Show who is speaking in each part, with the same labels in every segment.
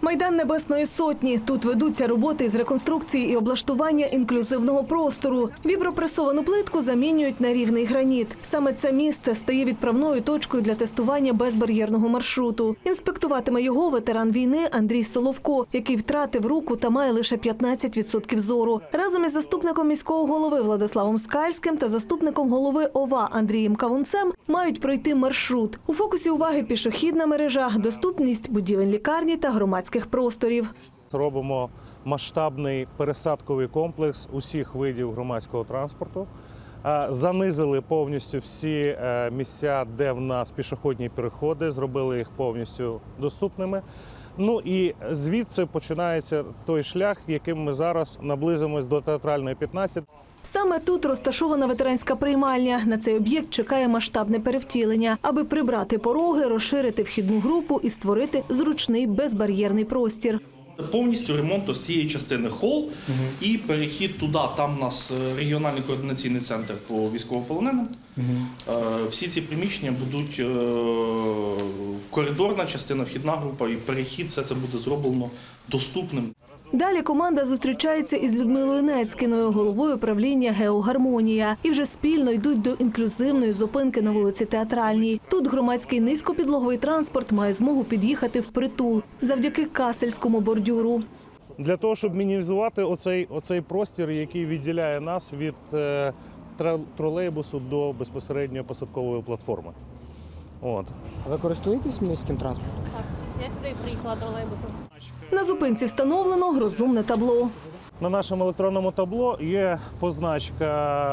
Speaker 1: Майдан Небесної Сотні. Тут ведуться роботи з реконструкції і облаштування інклюзивного простору. Вібропресовану плитку замінюють на рівний граніт. Саме це місце стає відправною точкою для тестування безбар'єрного маршруту. Інспектуватиме його ветеран війни Андрій Соловко, який втратив руку та має лише 15% зору. Разом із заступником міського голови Владиславом Скальським та заступником голови ОВА Андрієм Кавунцем мають пройти маршрут. У фокусі уваги пішохідна мережа, доступність будівель лікарні та громадських просторів.
Speaker 2: Робимо масштабний пересадковий комплекс усіх видів громадського транспорту. Занизили повністю всі місця, де в нас пішохідні переходи, зробили їх повністю доступними. Ну і звідси починається той шлях, яким ми зараз наблизимось до Театральної 15.
Speaker 1: Саме тут розташована ветеранська приймальня. На цей об'єкт чекає масштабне перевтілення, аби прибрати пороги, розширити вхідну групу і створити зручний безбар'єрний простір.
Speaker 3: Повністю ремонт всієї частини хол і перехід туди. Там у нас регіональний координаційний центр по військовополоненим. Всі ці приміщення будуть коридорна частина, вхідна група і перехід, все це буде зроблено доступним.
Speaker 1: Далі команда зустрічається із Людмилою Нецькіною, головою управління «Геогармонія». І вже спільно йдуть до інклюзивної зупинки на вулиці Театральній. Тут громадський низькопідлоговий транспорт має змогу під'їхати впритул завдяки касельському бордюру.
Speaker 2: Для того, щоб мінімізувати оцей простір, який відділяє нас від тролейбусу до безпосередньо посадкової платформи.
Speaker 4: Ви користуєтесь міським транспортом?
Speaker 5: Так, я сюди приїхала тролейбусом.
Speaker 1: На зупинці встановлено розумне табло.
Speaker 2: На нашому електронному табло є позначка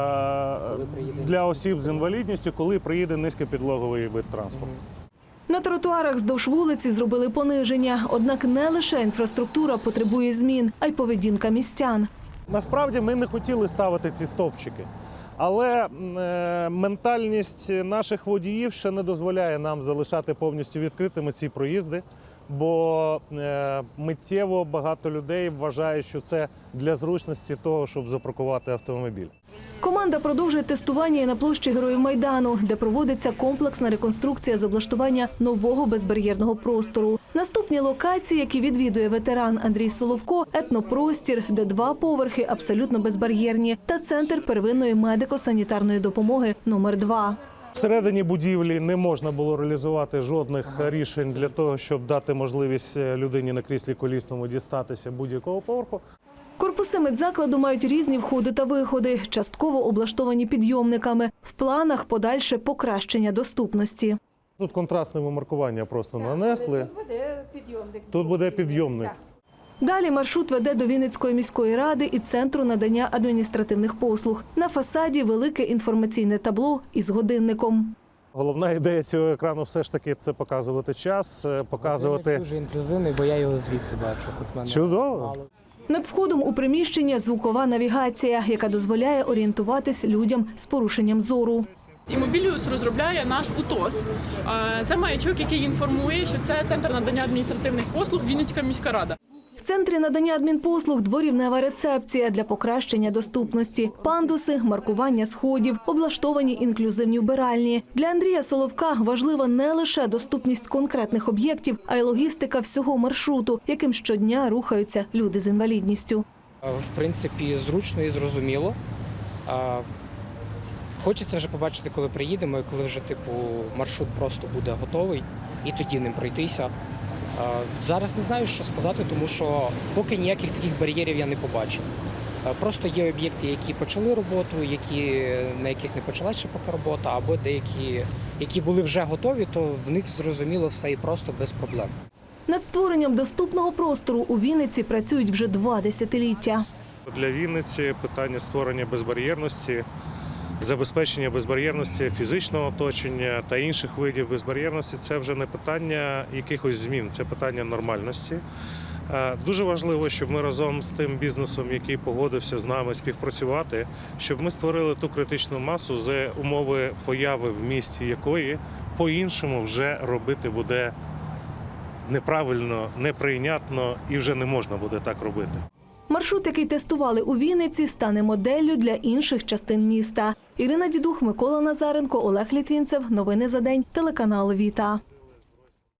Speaker 2: для осіб з інвалідністю, коли приїде низькопідлоговий вид транспорту.
Speaker 1: На тротуарах вздовж вулиці зробили пониження. Однак не лише інфраструктура потребує змін, а й поведінка містян.
Speaker 2: Насправді ми не хотіли ставити ці стовпчики, але ментальність наших водіїв ще не дозволяє нам залишати повністю відкритими ці проїзди, бо миттєво багато людей вважає, що це для зручності того, щоб запаркувати автомобіль.
Speaker 1: Команда продовжує тестування і на площі Героїв Майдану, де проводиться комплексна реконструкція з облаштування нового безбар'єрного простору. Наступні локації, які відвідує ветеран Андрій Соловко – етнопростір, де 2 поверхи абсолютно безбар'єрні, та центр первинної медико-санітарної допомоги номер 2.
Speaker 2: Всередині будівлі не можна було реалізувати жодних рішень для того, щоб дати можливість людині на кріслі колісному дістатися будь-якого поверху.
Speaker 1: Корпуси медзакладу мають різні входи та виходи, частково облаштовані підйомниками. В планах подальше покращення доступності.
Speaker 2: Тут контрастне маркування просто нанесли. Тут буде підйомник.
Speaker 1: Далі маршрут веде до Вінницької міської ради і Центру надання адміністративних послуг. На фасаді велике інформаційне табло із годинником.
Speaker 2: Головна ідея цього екрану все ж таки – це показувати час, показувати…
Speaker 4: Він дуже інклюзивний, бо я його звідси бачу. Хоч мене
Speaker 2: Чудово!
Speaker 4: мало.
Speaker 1: Над входом у приміщення звукова навігація, яка дозволяє орієнтуватись людям з порушенням зору.
Speaker 6: Імобіліус розробляє наш УТОС. Це маячок, який інформує, що це Центр надання адміністративних послуг Вінницька міська рада.
Speaker 1: В центрі надання адмінпослуг дворівнева рецепція для покращення доступності, пандуси, маркування сходів, облаштовані інклюзивні вбиральні. Для Андрія Соловка важлива не лише доступність конкретних об'єктів, а й логістика всього маршруту, яким щодня рухаються люди з інвалідністю.
Speaker 4: В принципі, зручно і зрозуміло. Хочеться вже побачити, коли приїдемо, і коли вже маршрут просто буде готовий, і тоді ним пройтися. Зараз не знаю, що сказати, тому що поки ніяких таких бар'єрів я не побачив. Просто є об'єкти, які почали роботу, на яких не почалася ще поки робота, або деякі, які були вже готові, то в них зрозуміло все і просто без проблем.
Speaker 1: Над створенням доступного простору у Вінниці працюють вже 2 десятиліття.
Speaker 2: Для Вінниці питання створення безбар'єрності, забезпечення безбар'єрності фізичного оточення та інших видів безбар'єрності – це вже не питання якихось змін, це питання нормальності. Дуже важливо, щоб ми разом з тим бізнесом, який погодився з нами співпрацювати, щоб ми створили ту критичну масу, за умови появи в місті якої по-іншому вже робити буде неправильно, неприйнятно і вже не можна буде так робити.
Speaker 1: Маршрут, який тестували у Вінниці, стане моделлю для інших частин міста. Ірина Дідух, Микола Назаренко, Олег Літвінцев. Новини за день. Телеканал «Віта».